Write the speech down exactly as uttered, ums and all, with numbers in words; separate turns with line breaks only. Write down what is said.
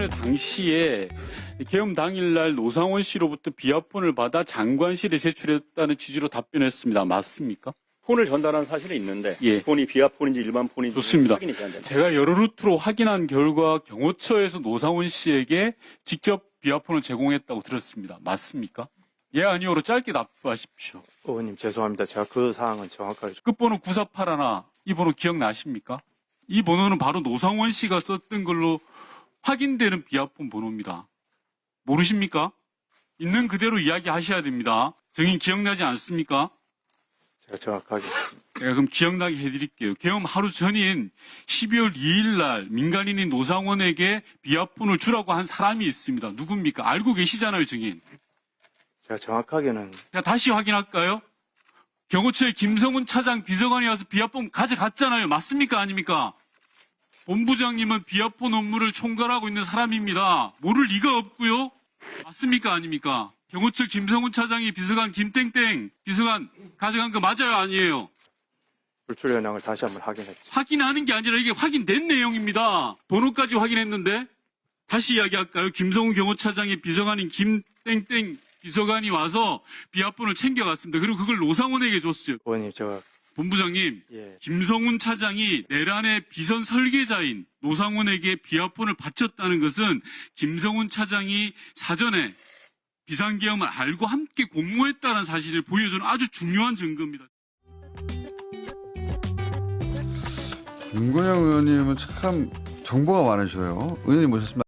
당시에 계엄 당일날 노상원 씨로부터 비아폰을 받아 장관실에 제출했다는 취지로 답변했습니다. 맞습니까?
폰을 전달한 사실은 있는데
예.
폰이 비아폰인지 일반 폰인지
좋습니다.
확인이 안 됩니다.
제가 여러 루트로 확인한 결과 경호처에서 노상원 씨에게 직접 비아폰을 제공했다고 들었습니다. 맞습니까? 예, 아니오로 짧게 답하십시오.
의원님 죄송합니다. 제가 그 사항은 정확하게
끝번호 구사팔일, 이 번호 기억나십니까? 이 번호는 바로 노상원 씨가 썼던 걸로 확인되는 비아폰 번호입니다. 모르십니까? 있는 그대로 이야기하셔야 됩니다. 증인 기억나지 않습니까?
제가 정확하게
제가 그럼 기억나게 해드릴게요. 계엄 하루 전인 십이월 이일 날 민간인인 노상원에게 비아폰을 주라고 한 사람이 있습니다. 누굽니까? 알고 계시잖아요, 증인.
제가 정확하게는
제가 다시 확인할까요? 경호처의 김성훈 차장 비서관이 와서 비아폰 가져갔잖아요. 맞습니까? 아닙니까? 본부장님은 비아폰 업무를 총괄하고 있는 사람입니다. 모를 리가 없고요. 맞습니까? 아닙니까? 경호처 김성훈 차장이 비서관 김땡땡 비서관 가져간 거 맞아요? 아니에요?
불출 현황을 다시 한번 확인했죠.
확인하는 게 아니라 이게 확인된 내용입니다. 번호까지 확인했는데 다시 이야기할까요? 김성훈 경호차장의 비서관인 김땡땡 비서관이 와서 비아폰을 챙겨갔습니다. 그리고 그걸 노상원에게 줬어요.
의원님 제가
본부장님,
예
김성훈 차장이 내란의 비선 설계자인 노상원에게 비아폰을 바쳤다는 것은 김성훈 차장이 사전에 비상계엄을 알고 함께 공모했다는 사실을 보여주는 아주 중요한 증거입니다.
김건영 의원님은 참 정보가 많으셔요. 의원님 모셨습니다.